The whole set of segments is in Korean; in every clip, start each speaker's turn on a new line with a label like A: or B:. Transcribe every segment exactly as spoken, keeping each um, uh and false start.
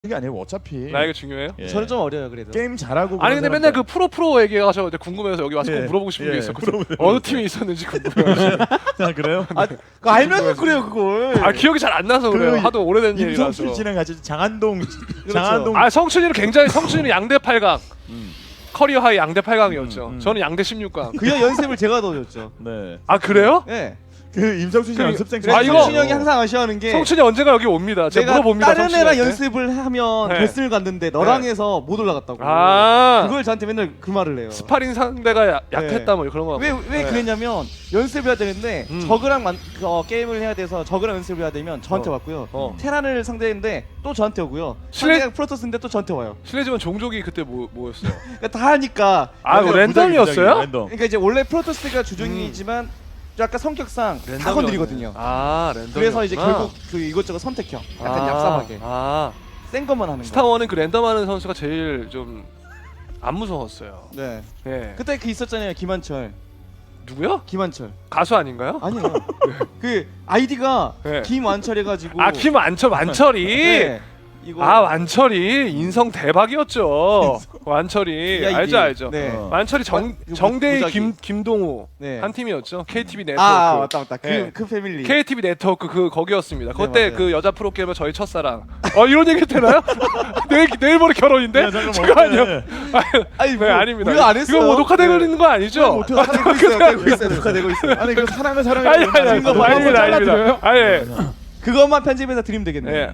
A: 게 아니고 어차피
B: 나이가 중요해요?
A: 예.
C: 저는 좀 어려요 그래도.
A: 게임 잘하고
B: 아니 근데 맨날 그 프로 프로 얘기하셔 궁금해서 여기 와서
A: 예.
B: 꼭 물어보고 싶은
A: 예.
B: 게 있었거든요.
A: 물어보세요.
B: 어느 팀에 있었는지 궁금해요.
A: 아 그래요?
C: 아, 그거 알면 그래요 그걸.
B: 아 기억이 잘 안 나서 그래요. 하도 오래된 일이라서.
A: 임성춘 씨랑 같이 장안동 장안동
B: 아 성춘이는 굉장히 성춘이는 양대 팔 강.
A: 음.
B: 커리어 하이 양대 팔 강이었죠.
A: 음, 음.
B: 저는 양대 십육 강.
C: 그냥 연습을 제가 넣어줬죠.
A: 네.
B: 아 그래요?
C: 예. 네.
A: 그 임성춘 씨
B: 그-
A: 연습생
B: 아,
C: 아
B: 이거-
C: 이거 성춘이 형이 항상 아쉬워하는 게
B: 성춘이 언젠가 여기 옵니다. 제가
C: 내가
B: 물어봅니다.
C: 다른 애랑
B: 성춘이한테.
C: 연습을 하면
B: 네.
C: 결승을 갔는데 너랑 해서 못 올라갔다고.
B: 아
C: 그걸 저한테 맨날 그 말을 해요.
B: 스파링 상대가 야- 약했다 뭐 그런 거.
C: 왜 왜
B: 네.
C: 그랬냐면 연습을 해야 되는데
B: 음.
C: 저그랑 만, 그, 어, 게임을 해야 돼서 저그랑 연습을 해야 되면 저한테
B: 어.
C: 왔고요.
B: 어.
C: 테란을 상대했는데 또 저한테 오고요.
B: 실내-
C: 상대가 프로토스인데 또 저한테 와요.
B: 실례지만 종족이 그때 뭐 뭐였어요?
C: 그러니까 다 하니까.
B: 아 이거 랜덤이었어요?
A: 랜덤.
C: 그러니까 이제 원래 프로토스가 주종이지만 약간 성격상 다
B: 랜덤이었네.
C: 건드리거든요.
B: 아 랜덤.
C: 그래서 이제 결국 그 이것저것 선택형, 약간 얍삽하게
B: 아
C: 센 것만 하는 거.
B: 스타원은 그 랜덤하는 선수가 제일 좀 안 무서웠어요.
C: 네.
B: 예.
C: 그때 그 있었잖아요, 김한철.
B: 누구요?
C: 김한철.
B: 가수 아닌가요?
C: 아니에요. 그 아이디가
B: 네.
C: 김완철 해가지고.
B: 아 김완철 완철이.
C: 네. 이거.
B: 아 완철이 인성 대박이었죠. 완철이
C: 야, 이게-
B: 알죠 알죠.
C: 네.
A: 어.
B: 완철이 정
C: 와, 그
B: 정대희
C: 무작위.
B: 김 김동우
C: 네.
B: 한 팀이었죠. 케이티비 네트워크.
C: 아 맞다 맞다. 그,
B: 네.
C: 그 패밀리.
B: 케이티비 네트워크 그 거기였습니다.
C: 네,
B: 그때
C: 맞아요.
B: 그 여자 프로게이머 저희 첫사랑. 어 이런 얘기 되나요? 내일 내일 모레 결혼인데?
A: 야, 잠깐만,
B: 잠깐만요.
A: 어때?
C: 아니
B: 네
C: 뭐,
B: 아닙니다.
C: 우리가 안 했어요.
B: 이거 뭐 녹화되고 있는 거 아니죠?
A: 어떻게
C: 아, 되고 있어요. 되고 있어요. 녹화되고 있어요.
A: 아니 그 사랑을 사랑해.
B: 아니 아니 아니
C: 이거 뭐
B: 아닙니다
C: 한번
B: 아닙니다. 아예
C: 그것만 편집해서 드리면 되겠네요.
B: 예.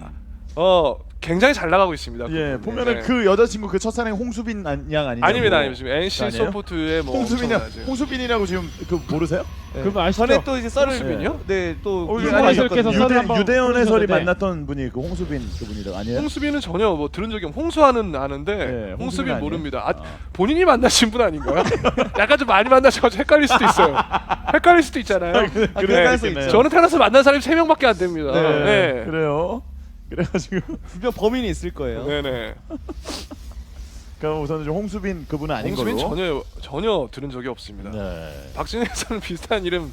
B: 어 굉장히 잘 나가고 있습니다.
A: 예,
B: 그분은.
A: 보면은
B: 네.
A: 그 여자친구 그 첫사랑 홍수빈 안- 양 아니냐?
B: 아닙니다 아닙니다. 지금 엔씨
A: 아니에요?
B: 소프트의 뭐
A: 홍수빈이야.
B: 엄청나죠.
A: 홍수빈이라고 지금 그 모르세요?
C: 네.
D: 그분 아시죠?
C: 전에 또 이제 썰을
B: 홍수빈이요?
C: 네, 또
A: 어,
C: 이거
A: 이거
C: 많이
D: 아시겠어서
C: 하셨거든요.
D: 썰을
A: 유대
D: 한번
A: 유대현 해설이
D: 풀어주셨는데.
A: 만났던 분이 그 홍수빈 그분이라 아니에요?
B: 홍수빈은 전혀 뭐 들은 적이 없. 홍수아는 아는데
A: 예, 홍수빈
B: 홍수빈
A: 아니에요?
B: 모릅니다. 아,
A: 아.
B: 본인이 만나신 분 아닌가요? 약간 좀 많이 만나셔가지고 헷갈릴 수도 있어요. 헷갈릴 수도 있잖아요.
C: 아, 그럴 수 있죠.
B: 저는 태어나서 만난 사람이 세 명밖에 안 됩니다.
A: 네,
B: 네.
A: 그래요. 그래가지고
C: 분명 범인이 있을 거예요.
B: 네네.
A: 그럼 우선은 좀 홍수빈 그분은 아닌
B: 홍수빈
A: 걸로.
B: 전혀 전혀 들은 적이 없습니다.
A: 네.
B: 박진영 해설은 비슷한 이름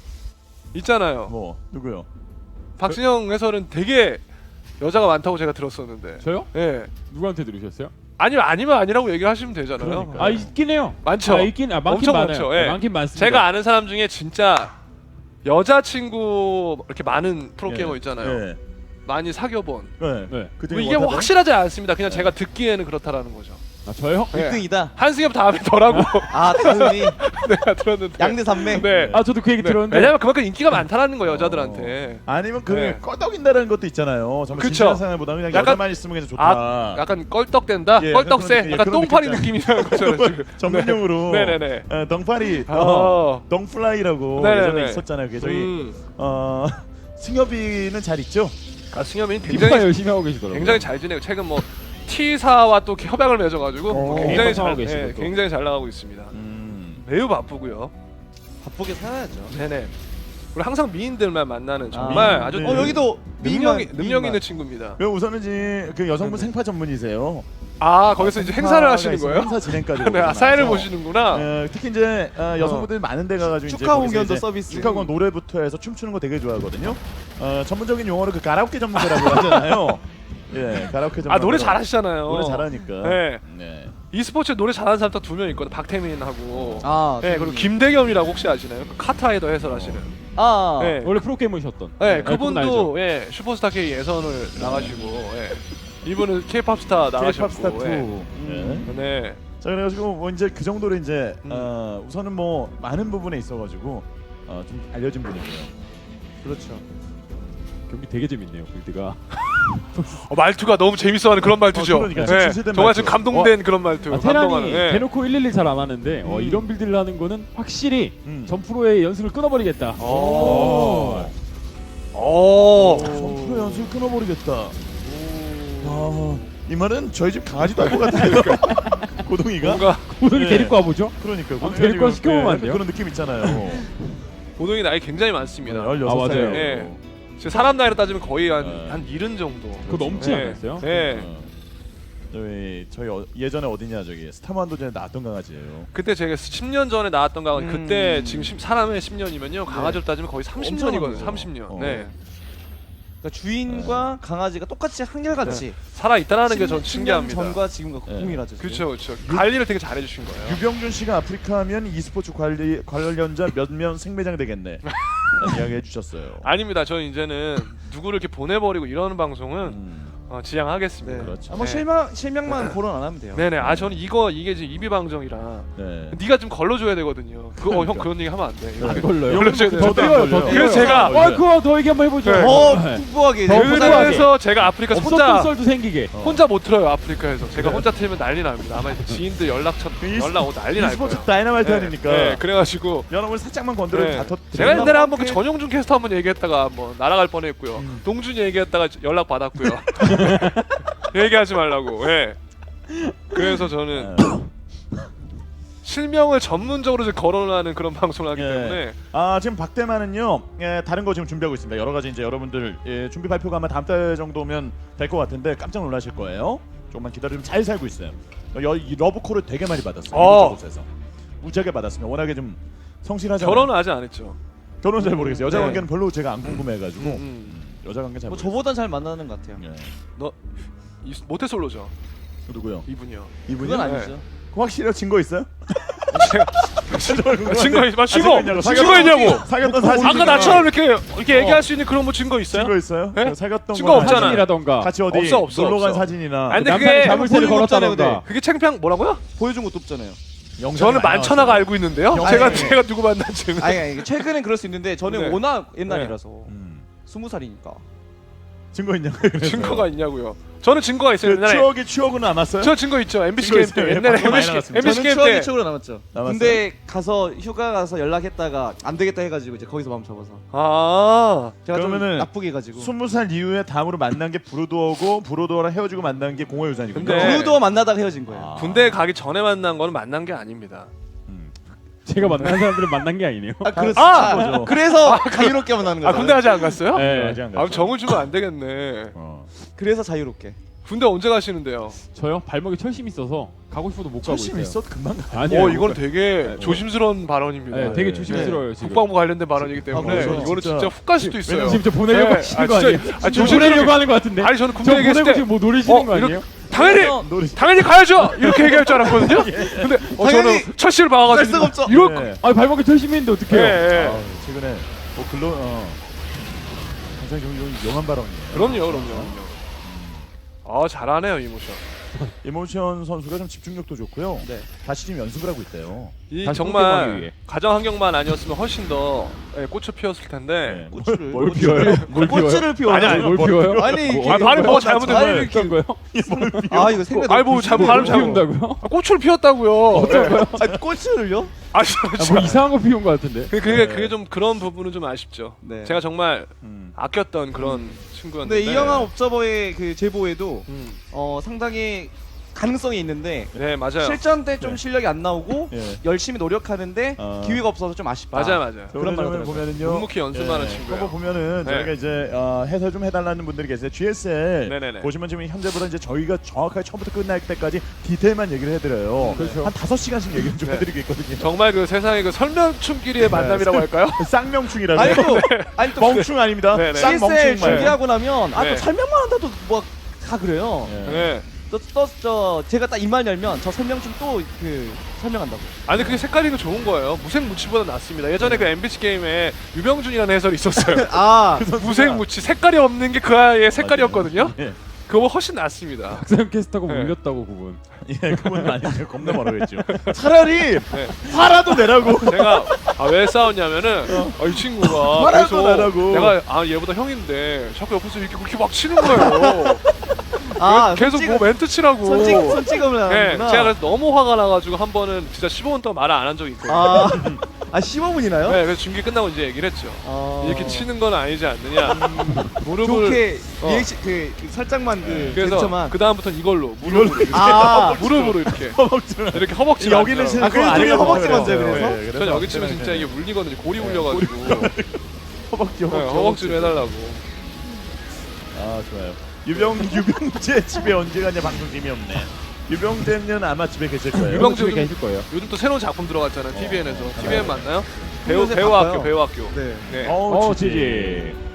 B: 있잖아요.
A: 뭐 누구요?
B: 박진영 해설은 되게 여자가 많다고 제가 들었었는데.
D: 저요?
B: 예.
D: 누구한테 들으셨어요?
B: 아니면 아니면 아니라고 얘기하시면 되잖아요.
A: 그러니까.
D: 아 있긴 해요.
B: 많죠.
D: 아, 있긴 아 많긴
B: 엄청
D: 많아요.
B: 많죠. 예.
D: 많긴 많습니다.
B: 제가 아는 사람 중에 진짜 여자친구 이렇게 많은 프로게이머
A: 예.
B: 있잖아요.
A: 예.
B: 많이 사귀어본.
A: 네.
D: 네.
A: 그
B: 뭐
A: 중에
B: 이게 뭐
A: 못하죠?
B: 확실하지 않습니다. 그냥
A: 네.
B: 제가 듣기에는 그렇다라는 거죠.
D: 아 저요?
B: 예.
C: 일 등이다.
B: 한승엽 다음에 더라고
C: 아, 다음이
B: 내가 들었는데.
C: 양대 산맥.
B: 네.
D: 아 저도 그 얘기
B: 네.
D: 들었는데.
B: 왜냐면 그만큼 인기가 많다라는 거예요 여자들한테.
A: 어. 아니면 그
B: 네.
A: 꺼덕인다라는 것도 있잖아요. 정말
B: 그쵸.
A: 진지한 사람보다 그냥
B: 약간-
A: 여자만 있으면 그냥 좋다.
B: 아, 약간 껄떡댄다.
A: 예,
B: 껄떡새.
A: 그런 느낌,
B: 약간
A: 그런
B: 똥파리
A: 느낌
B: 느낌이라는 거죠. 지금.
A: 전문용어로
B: 네. 네네네.
A: 어, 덩파리,
B: 어.
A: 어, 덩플라이라고
B: 네네네.
A: 예전에 있었잖아요. 그게 저희
B: 음.
A: 어, 승엽이는 잘 있죠?
B: 아, 승엽이
D: 굉장히
B: 굉장히
D: 열심히 하고 계시더라고요.
B: 굉장히 잘 지내고 최근 뭐 T사와 또 협약을 맺어가지고
A: 어.
B: 굉장히 잘
D: 활동하고 계시고
B: 예,
D: 또.
B: 굉장히 잘 나가고 있습니다.
A: 음.
B: 매우 바쁘고요.
C: 바쁘게 살아야죠.
B: 네네. 우리 항상 미인들만 만나는 정말
A: 아,
B: 아, 주
A: 네.
C: 어 여기도
B: 능력
C: 미인만,
B: 능력
C: 미인만.
B: 있는 친구입니다.
A: 그럼 우선은 이제 그 여성분
B: 네네.
A: 생파 전문이세요.
B: 아 거기서 이제 행사를
A: 행사가
B: 하시는
A: 있어요.
B: 거예요?
A: 행사 진행까지.
B: 네, 아, 사회를 보시는구나.
A: 어, 특히 이제 어, 여성분들이 많은 데 가가지고 이제
C: 축하
A: 거기서
C: 공연도
A: 이제
C: 서비스.
A: 축하 공연 노래부터 해서 춤추는 거 되게 좋아하거든요. 어, 전문적인 용어로 그 가라오케 전문가라고 하잖아요. 예, 가라오케 전문가.
B: 아 노래 잘하시잖아요.
A: 노래 잘하니까.
B: 네.
A: 네.
B: e스포츠 노래 잘하는 사람 딱 두 명 있거든. 박태민하고.
C: 아,
B: 네 그리고 김대겸이라고 혹시 아시나요? 그 카타에더 해설하시는.
C: 아,
B: 네.
D: 원래 프로게이머셨던.
B: 네,
D: 그분 알죠?
B: 그분도 예 슈퍼스타 K 예선을 나가시고 예. 이분은 K-팝 스타 나가셨고.
A: K-팝 스타 투.
B: 예.
A: 네.
B: 네.
A: 자 그래가지고 뭐 이제 그 정도로 이제
B: 음.
A: 어, 우선은 뭐 많은 부분에 있어가지고 어, 좀 알려진 분이고요.
C: 그렇죠.
D: 경기 되게 재밌네요. 빌드가.
B: 어, 말투가 너무 재밌어하는 그런 말투죠.
A: 어, 그러니까,
B: 예.
A: 진실된
B: 정말
A: 말투.
B: 지금 감동된 그런 말투.
D: 아,
B: 감동하는.
D: 테란이
B: 예.
D: 대놓고 일일이 잘 안 하는데 어,
A: 음.
D: 이런 빌드를 하는 거는 확실히
A: 음.
D: 전프로의 연습을 끊어버리겠다.
B: 오. 오.
A: 어, 프로 연습 끊어버리겠다. 아, 이 말은 저희 집 강아지도 할 것 같은데요. 고동이가.
B: 뭔가
D: 고등이
A: 네.
D: 데리고 와보죠.
A: 그러니까
D: 아, 데리고 와서 시켜보면 안 돼요?
A: 그런 느낌 있잖아요.
B: 고동이 나이 굉장히 많습니다.
A: 열여섯
D: 아,
A: 살.
D: 맞아요.
B: 예. 지금 사람 나이로 따지면 거의 한,
A: 네.
B: 한 일흔 정도.
D: 그거 넘지
B: 예.
D: 않았어요?
B: 예.
A: 어. 저희 저희 어, 예전에 어디냐 저기 스타만도전에 나왔던 강아지예요.
B: 그때 제가 십 년 전에 나왔던 강아지
C: 음.
B: 그때 지금 십, 사람의 십 년이면요 강아지로 따지면 거의 삼십 년이거든요.
A: 엄청
B: 삼십 년.
A: 어.
B: 네.
C: 그러니까 주인과 강아지가 똑같이 한결같이
B: 살아 있다라는 게 전
C: 십 년
B: 신기합니다.
C: 전과 지금과 동일하죠.
B: 그렇죠, 그렇죠. 관리를 되게 잘해주신 거예요.
A: 유병준 씨가 아프리카 하면 e스포츠 관리 관련자 몇몇 생매장 되겠네. 이야기해 주셨어요.
B: 아닙니다. 저는 이제는 누구를 이렇게 보내버리고 이러는 방송은
A: 음,
B: 어, 지양하겠습니다.
C: 네.
A: 그렇죠.
C: 아, 뭐
B: 네.
C: 실명 실명만 거론 안 하면 돼요.
B: 네네. 아 저는 이거 이게 지금 이비방정이라
A: 네.
B: 네가 좀 걸러줘야 되거든요. 그거 어, 형 그런 얘기 하면 안 돼. 이거
A: 네.
D: 걸려요.
B: 걸러줘야 돼.
D: 더 뛰어요, 더 뛰어요.
B: 그래서 제가
D: 어, 그거 더 얘기 한번 해보죠.
B: 네.
C: 더
D: 네.
C: 풍부하게
D: 더
C: 이제
D: 풍부하게.
B: 그래서 제가 아프리카
D: 없었던
B: 혼자
D: 썰도 생기게.
A: 어.
B: 혼자 못 틀어요. 아프리카에서 제가
A: 네.
B: 혼자 틀면 난리 납니다. 아마 지인들 연락처
A: 이
B: 연락 오고 난리 날
A: e스포츠
B: 거예요.
A: 다이너마이트
B: 네.
A: 아닙니까?
B: 네. 그래가지고
A: 여러분 살짝만 건드려도
B: 네.
A: 다 터.
B: 제가 옛날에 한번 그
C: 이렇게-
B: 전용준 캐스터 한번 얘기했다가 뭐 날아갈 뻔했고요.
A: 음.
B: 동준이 얘기했다가 연락 받았고요. 얘기하지 말라고. 예. 그래서 저는 실명을 전문적으로 이제 거론하는 그런 방송을 하기
A: 예.
B: 때문에
A: 아 지금 박대만은요 예, 다른 거 지금 준비하고 있습니다. 여러 가지 이제 여러분들 예, 준비 발표가 아마 다음 달 정도면 될 것 같은데 깜짝 놀라실 거예요. 조금만 기다리면 잘 살고 있어요. 여, 이 러브콜을 되게 많이 받았어요.
B: 어.
A: 이곳저곳에서 무지하게 받았으면 워낙에 좀 성실하잖아요.
B: 결혼은 아직 안 했죠.
A: 결혼 잘 모르겠어요. 여자
B: 네.
A: 관계는 별로 제가 안 궁금해가지고
B: 음, 음.
A: 여자 관계 잘
C: 뭐
A: 모르겠어요.
C: 저보단 잘 만나는 것 같아요.
A: 예.
B: 너 이, 모태솔로죠.
A: 누구요?
B: 이분이요.
A: 이분이
C: 그건
B: 네.
C: 아니죠.
A: 확실히 증거 있어요?
B: 증거 있, 뭐 증거
A: 있냐고,
B: 증거 있냐고.
A: 사귀었던 사진.
B: 아까 나처럼 이렇게 이렇게 얘기할 수 있는 그런 뭐 증거 있어요?
A: 증거 있어요?
B: 네?
A: 사귀었던
B: 증거
A: 거
B: 없잖아요.
D: 사진이라던가.
A: 같이 어디
B: 없어, 없어,
A: 놀러 간
B: 없어.
A: 사진이나
B: 아니, 근데
D: 남편이
B: 그게
D: 자물쇠를
C: 보여준 거 없잖아요,
D: 걸었다던가.
B: 그게 챙피한 뭐라고요?
C: 보여준 것도 없잖아요.
A: 영상이
B: 저는
A: 많이
B: 만천하가
A: 나왔어요.
B: 알고 있는데요.
A: 영상이-
B: 제가
A: 아니,
B: 제가 누구 만난지는.
C: 아니, 아니 최근엔 그럴 수 있는데 저는
B: 네.
C: 워낙 옛날이라서
A: 음.
C: 스무 살이니까.
A: 증거 있냐고.
B: 증거가 있냐고요. 저는 증거가 있어요.
A: 그
B: 옛날에
A: 추억이 추억은 남았어요?
B: 저 증거 있죠. 엠비씨
A: 증거
B: 게임
A: 있어요.
B: 때
A: 예,
B: 옛날에
A: 방금 많이
B: 엠비씨
A: 나갔습니다.
B: 엠비씨
C: 저는
B: 게임
C: 추억이
B: 때
C: 추억으로 남았죠.
A: 남았어요?
C: 근데 가서 휴가 가서 연락했다가 안 되겠다 해가지고 이제 거기서 마음 접어서
B: 아
C: 제가
A: 그러면은
C: 좀 나쁘게 해가지고.
A: 스무 살 이후에 다음으로 만난 게 브루도어고 브루도어랑 헤어지고 만난 게 공허유산이군요.
B: 근데-
C: 브루도어 만나다가 헤어진 거예요.
A: 아.
B: 군대 가기 전에 만난 거는 만난 게 아닙니다.
A: 음.
D: 제가 만난 사람들은 만난 게 아니네요.
C: 아, 그렇,
B: 아!
A: 거죠.
C: 그래서 자유롭게 만나는 거예요.
B: 아 군대 아직 안 갔어요?
D: 네.
A: 아직 안
B: 아
A: 갔죠.
B: 정을 주면 안 되겠네.
A: 어.
C: 그래서 자유롭게.
B: 군대 언제 가시는데요?
D: 저요? 발목에 철심이 있어서 가고 싶어도 못 가고
A: 철심
D: 있어요.
A: 있어 금방 가.
D: 아니요.
B: 어 이건 되게
A: 네.
B: 조심스러운 발언입니다.
D: 네, 되게
A: 네.
D: 조심스러워요 지금.
B: 국방부 관련된 발언이기 때문에
A: 그래서
B: 이거는
A: 진짜-
B: 진짜 훅 갈 수도 있어요.
A: 왜냐면
D: 지금 저 보내려고
B: 네.
D: 하시는
B: 아,
D: 거
B: 진짜-
D: 아니에요?
B: 아,
D: 지금
B: 조심스럽게-
D: 보내려고 하는 거 같은데.
B: 아니 저는
D: 저
B: 군대 얘기했을
D: 보내고
B: 때
D: 지금 뭐 노리시는
B: 어,
D: 거 아니에요?
B: 이렇게- 당연히
A: 놀이.
B: 당연히 가야죠 이렇게 얘기할 줄 알았거든요. 근데 어, 저는
C: 당연히
B: 첫 씨를 봐가지고
C: 쌀 수가 없죠.
B: 이럴 거.
A: 네.
D: 아 발목에 철심이 있는데 어떡해요?
B: 예, 예.
A: 아, 최근에 뭐 글로 어. 굉장히 좀, 좀 용한 발언이에요.
B: 그럼요, 그럼요. 그럼요. 아 잘하네요 이모션.
A: 이모션 선수가 좀 집중력도 좋고요.
C: 네.
A: 다시 지금 연습을 하고 있대요.
B: 이
D: 다시 똥개방에
B: 정말
D: 의해.
B: 가정 환경만 아니었으면 훨씬 더 예, 꽃을 피웠을 텐데.
A: 네.
C: 꽃을
A: 뭘,
D: 뭘 피워요? 뭘 피워요?
C: 꽃을 피워.
B: 아니, 아니,
D: 뭘 피워요?
C: 아니 이게
B: 아, 발음 뭐가 잘못된
C: 아니,
B: 거예요?
C: 이렇게-
D: 어떤 거요?
C: 아 이거 생각.
B: 아이 뭐 잘못 발음 잘못.
D: 피운다고요?
B: 아, 꽃을 피웠다고요. 네.
C: 아 꽃을요?
B: 아,
D: 아,
B: 진짜.
D: 뭐 이상한 거 피운 거 같은데.
B: 그- 그게 그게 좀 그런 부분은 좀 아쉽죠.
C: 네.
B: 제가 정말
A: 음.
B: 아꼈던 그런 친구였는데.
C: 근데 이영환 옵저버의 그 제보에도
B: 음.
C: 어 상당히 가능성이 있는데
B: 네 맞아요.
C: 실전 때 좀
A: 네.
C: 실력이 안 나오고
A: 예.
C: 열심히 노력하는데
A: 아.
C: 기회가 없어서 좀 아쉽다.
B: 맞아요 맞아요.
C: 그런 말
A: 점을
C: 하더라고요.
A: 보면은요.
B: 묵묵히 연습하는
A: 예,
B: 친구예요.
A: 그거 보면은
B: 네.
A: 저희가 이제 어, 해설 좀 해달라는 분들이 계세요. 지에스엘
B: 네네네.
A: 보시면 지금 현재보다 이제 저희가 정확하게 처음부터 끝날 때까지 디테일만 얘기를 해드려요.
D: 그렇죠.
A: 한 다섯 시간씩 얘기를 좀
B: 네.
A: 해드리고 있거든요.
B: 정말 그 세상의 그 설명충끼리의 만남이라고 할까요?
A: 쌍명충이라고.
C: 아니 또 아니 또
A: 멍충 아닙니다.
B: 네네.
C: 씨에스엘
A: 쌍멍충 말.
C: 준비하고 나면 아 또
B: 네.
C: 설명만 한다도 뭐 다 그래요.
A: 예.
B: 네.
C: 또저 제가 딱 입만 열면 저 설명 좀 또 그 설명한다고.
B: 아니 그게 색깔이 그 좋은 거예요. 무색무취보다 낫습니다. 예전에 그 엠비씨 게임에 유병준이라는 해설이 있었어요.
C: 아
B: 무색무취 색깔이 없는 게 그 아이의 색깔이었거든요.
A: 예.
B: 그거 훨씬 낫습니다.
D: 박사님 캐스터가
B: 네.
D: 울렸다고 그분.
A: 예, 그건 아니죠. 겁나 뭐라고 했죠. 차라리
B: 네.
A: 화라도 내라고.
B: 제가 아, 왜 싸웠냐면은 아, 이 친구가
A: 화라도
B: 계속
A: 내라고.
B: 내가 아 얘보다 형인데 자꾸 옆에서 이렇게 그렇게 막 치는 거예요.
C: 아
B: 계속
C: 손찌-
B: 뭐 멘트 치라고.
C: 손찌 손찌검을
B: 네,
C: 하는구나.
B: 제가 그래서 너무 화가 나가지고 한 번은 진짜 십오 분 동안 말을 안 한 적이 있거든요.
C: 아, 아 십오 분이나요?
B: 네, 그래서 중계 끝나고 이제 얘기를 했죠.
C: 아...
B: 이렇게 치는 건 아니지 않느냐. 무릎을
C: 좋게
B: 어.
C: 리액션 그, 그 살짝만 그
B: 그래서
C: 쟁점만.
B: 그 다음부터는 이걸로 무릎으로 이렇게
C: 아
B: 무릎으로 이렇게
A: 허벅지.
B: 이렇게 허벅지
A: 여기는
B: 만져요.
A: 신-
C: 아, 그래서
A: 그거
C: 둘이
A: 아니라고
C: 허벅지
A: 그래요.
C: 만져요, 그래서?
A: 예, 그래서
B: 전 여기 치면
A: 네,
B: 진짜
A: 네.
B: 이게 물리거든요. 골이 울려가지고
A: 허벅지
B: 네,
A: 허벅지.
B: 허벅지로 해달라고.
A: 아 좋아요. 유병 유병재 집에 언제 가냐 방송 재미없네. 유병재는 아마 집에 계실 거예요.
B: 유병-
D: 집에 계실 거예요.
B: 요즘 또 새로운 작품 들어갔잖아요. 티비엔에서.
A: 네.
B: 티비엔 맞나요? 배우
C: 요새
B: 배우
C: 바빠요.
B: 학교 배우 학교.
C: 네.
B: 네.
A: 어,
D: 어
A: 지지.
D: 지지.